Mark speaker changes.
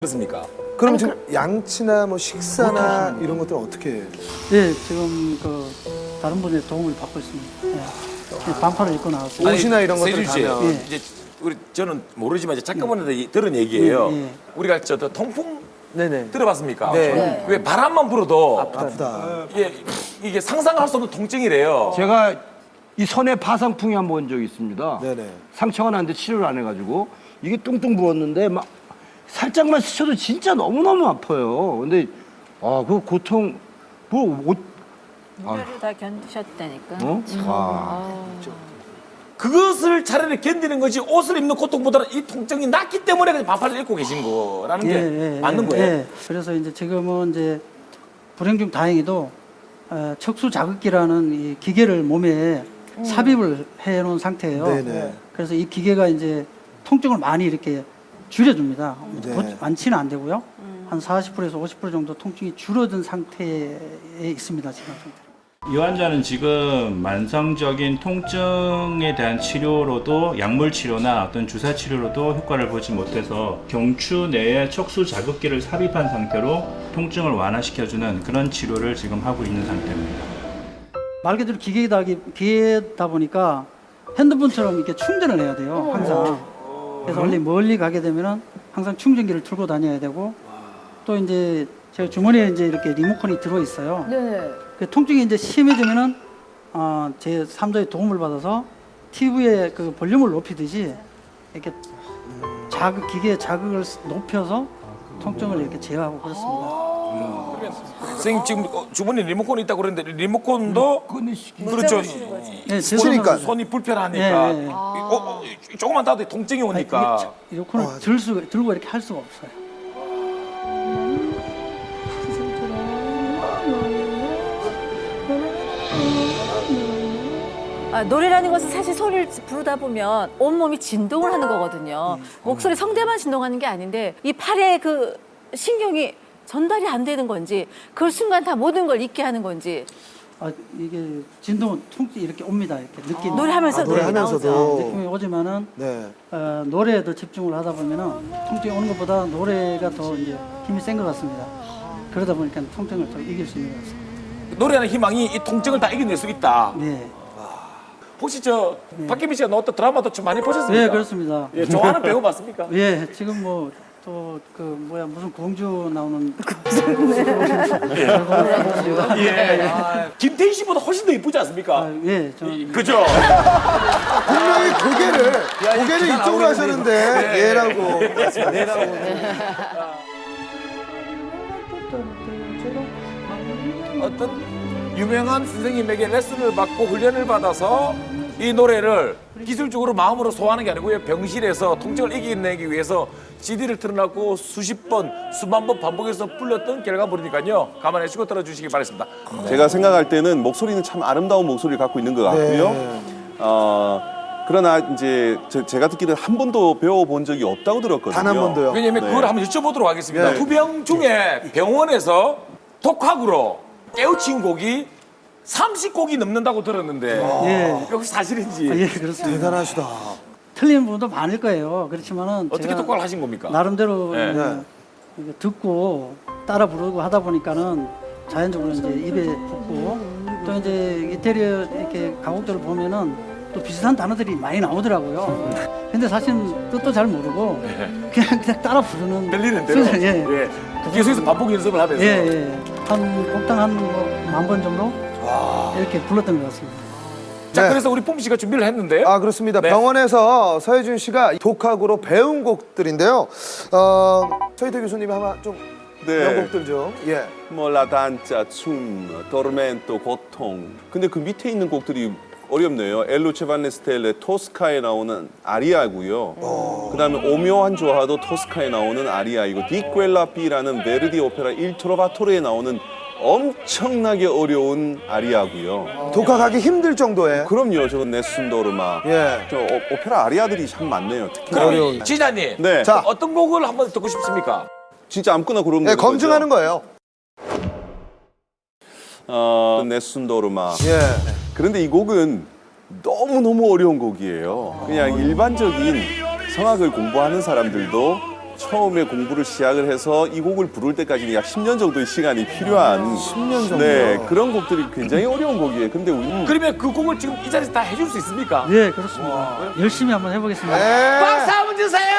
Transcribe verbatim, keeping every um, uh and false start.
Speaker 1: 그렇습니까?
Speaker 2: 그럼
Speaker 3: 아니,
Speaker 2: 지금 양치나 뭐 식사나 이런 것들은 어떻게 해요?
Speaker 4: 예, 지금 그 다른 분의 도움을 받고 있습니다. 예. 반팔을 입고 나왔어요.
Speaker 2: 옷이나 이런 것들
Speaker 1: 세준 씨,
Speaker 2: 가면.
Speaker 4: 예.
Speaker 1: 이제 우리 저는 모르지만 이제 작가분한테 들은 얘기예요.
Speaker 4: 예, 예.
Speaker 1: 우리가 저 통풍
Speaker 2: 네네.
Speaker 1: 들어봤습니까?
Speaker 2: 네.
Speaker 1: 왜 바람만 불어도
Speaker 2: 아프다.
Speaker 1: 이게, 이게 상상할 수 없는 통증이래요.
Speaker 5: 제가 이 손에 파상풍이 한 번 본 적이 있습니다.
Speaker 2: 네네.
Speaker 5: 상처가 났는데 치료를 안 해가지고 이게 뚱뚱 부었는데 막 살짝만 스쳐도 진짜 너무너무 아파요. 근데 아, 그 고통 뭐 옷,
Speaker 3: 무료를 다 견디셨다니까.
Speaker 5: 어? 아,
Speaker 3: 아.
Speaker 1: 그것을 차라리 견디는 거지 옷을 입는 고통보다는 이 통증이 낫기 때문에 그냥 반팔을 입고 계신 거라는 게 맞는 거예요.
Speaker 4: 예. 그래서 이제 지금은 이제 불행 중 다행히도 어, 척수 자극기라는 이 기계를 몸에 삽입을 해 놓은 상태예요.
Speaker 2: 네네.
Speaker 4: 그래서 이 기계가 이제 통증을 많이 이렇게 줄여줍니다.
Speaker 2: 네.
Speaker 4: 뭐 많지는 안 되고요. 한 사십 퍼센트에서 오십 퍼센트 정도 통증이 줄어든 상태에 있습니다. 지금 상태.
Speaker 6: 이 환자는 지금 만성적인 통증에 대한 치료로도 약물 치료나 어떤 주사 치료로도 효과를 보지 못해서 경추 내에 척수 자극기를 삽입한 상태로 통증을 완화시켜주는 그런 치료를 지금 하고 있는 상태입니다.
Speaker 4: 말 그대로 기계다, 기계다 보니까 핸드폰처럼 이렇게 충전을 해야 돼요. 항상. 그래서 원래 멀리 가게 되면은 항상 충전기를 들고 다녀야 되고 또 이제 제가 주머니에 이제 이렇게 리모컨이 들어 있어요.
Speaker 3: 네.
Speaker 4: 그 통증이 이제 심해지면은 어, 제 삼 자의 도움을 받아서 티비의 그 볼륨을 높이듯이 이렇게 자극 기계의 자극을 높여서 통증을 이렇게 제어하고 그렇습니다.
Speaker 1: 선생님 지금 어, 주머니 리모컨이 있다고 그랬는데 리모컨도 그렇죠.
Speaker 4: 네, 제
Speaker 2: 손이니까.
Speaker 4: 손은-
Speaker 1: 손이 불편하니까
Speaker 4: 예, 예.
Speaker 1: 어, 어, 조금만 닿아도 통증이
Speaker 4: 아니,
Speaker 1: 오니까
Speaker 4: 이게 리모컨을 들 수, 들고 이렇게 할 수가 없어요.
Speaker 3: 아, 노래라는 것은 사실 소리를 부르다 보면 온몸이 진동을 하는 거거든요. 목소리 성대만 진동하는 게 아닌데 이 팔에 그 신경이 전달이 안 되는 건지 그 순간 다 모든 걸 잊게 하는 건지
Speaker 4: 아, 이게 진동은 통증이 이렇게 옵니다. 이렇게 느끼는.
Speaker 3: 노래하면서
Speaker 2: 아, 노래하면서도.
Speaker 4: 느낌이 오지만은
Speaker 2: 네.
Speaker 4: 어, 노래에 더 집중을 하다 보면은 통증이 오는 것보다 노래가 더 이제 힘이 센 것 같습니다. 그러다 보니까 통증을 더 이길 수 있는 것 같습니다.
Speaker 1: 노래하는 희망이 이 통증을 다 이겨낼 수 있다.
Speaker 4: 네.
Speaker 1: 혹시 저 박혜민 씨가 나왔던 드라마도 좀 많이 보셨습니까?
Speaker 4: 네, 그렇습니다.
Speaker 1: 예, 좋아하는 배우 맞습니까?
Speaker 4: 예, 지금 뭐 또 그 뭐야 무슨 공주 나오는
Speaker 1: 예. 아, 김태희 씨보다 훨씬 더 이쁘지 않습니까?
Speaker 4: 아, 예, 저는
Speaker 1: 그죠?
Speaker 2: 분명히 고개를 고개를 이쪽으로 하셨는데 얘라고.
Speaker 1: 어떤 유명한 선생님에게 레슨을 받고 훈련을 받아서 이 노래를 기술적으로 마음으로 소화하는 게 아니고요. 병실에서 통증을 이겨내기 위해서 씨디를 틀어놓고 수십 번, 수만 번 반복해서 불렀던 결과물이니까요. 감안해 주시고 들어주시기 바라겠습니다.
Speaker 7: 제가 생각할 때는 목소리는 참 아름다운 목소리를 갖고 있는 것 같고요.
Speaker 2: 네.
Speaker 7: 어, 그러나 이제 제, 제가 듣기로는 한 번도 배워본 적이 없다고 들었거든요.
Speaker 2: 단 한 번도요.
Speaker 1: 왜냐면
Speaker 7: 네.
Speaker 1: 그걸 한번 여쭤보도록 하겠습니다.
Speaker 2: 네.
Speaker 1: 투병 중에 병원에서 독학으로 깨우친 곡이 삼십 곡이 넘는다고 들었는데
Speaker 4: 예,
Speaker 1: 혹시 사실인지
Speaker 4: 예, 그렇습니다.
Speaker 2: 대단하시다.
Speaker 4: 틀린 분도 많을 거예요. 그렇지만은
Speaker 1: 어떻게
Speaker 4: 제가
Speaker 1: 독학을 하신 겁니까?
Speaker 4: 나름대로
Speaker 1: 네.
Speaker 4: 어, 이거 듣고 따라 부르고 하다 보니까는 자연적으로 이제 입에 붙고 또 이제 이태리어 이렇게 가곡들을 보면은 또 비슷한 단어들이 많이 나오더라고요. 근데 사실 뜻도 잘 모르고 그냥 그냥 따라 부르는
Speaker 1: 들리는 대로.
Speaker 4: 수준, 예.
Speaker 1: 예. 계속해서 반복 연습을 하면서.
Speaker 4: 예, 예. 한 곡당 한 만 번 정도 이렇게 불렀던 것 같습니다.
Speaker 1: 자,
Speaker 2: 네.
Speaker 1: 그래서 우리 폼 씨가 준비를 했는데요.
Speaker 2: 아 그렇습니다.
Speaker 1: 네.
Speaker 2: 병원에서 서혜준 씨가 독학으로 배운 곡들인데요. 어, 서희태 교수님이 한번 좀
Speaker 7: 네.
Speaker 2: 명곡들 좀. 예.
Speaker 7: 뭐 라단자, 춤, 토르멘토, 고통. 근데 그 밑에 있는 곡들이 어렵네요. 엘루체 반네스텔레 토스카에 나오는 아리아고요. 그다음에 오묘한 조화도 토스카에 나오는 아리아이고 디quella B라는 베르디 오페라 일 트로바토르에 나오는 엄청나게 어려운 아리아고요.
Speaker 2: 독학하기 힘들 정도의.
Speaker 7: 그럼요. 저건 네순도르마.
Speaker 2: 예.
Speaker 7: 저 오, 오페라 아리아들이 참 많네요. 특히
Speaker 1: 그럼
Speaker 2: 어려운.
Speaker 1: 지자님,
Speaker 7: 네.
Speaker 2: 자.
Speaker 1: 어떤 곡을 한번 듣고 싶습니까?
Speaker 7: 진짜 아무거나 고르면
Speaker 2: 예,
Speaker 7: 되는 거죠?
Speaker 2: 검증하는 거예요.
Speaker 7: 어, 네순도르마.
Speaker 2: 예.
Speaker 7: 그런데 이 곡은 너무너무 어려운 곡이에요. 그냥 일반적인 성악을 공부하는 사람들도 처음에 공부를 시작을 해서 이 곡을 부를 때까지는 약 십 년 정도의 시간이 필요한 십 년 정도. 네, 그런 곡들이 굉장히 어려운 곡이에요. 근데 우리
Speaker 1: 그러면 그 곡을 지금 이 자리에서 다 해줄 수 있습니까?
Speaker 4: 네, 그렇습니다. 열심히 한번 해보겠습니다.
Speaker 2: 네.
Speaker 1: 박수 한번 주세요.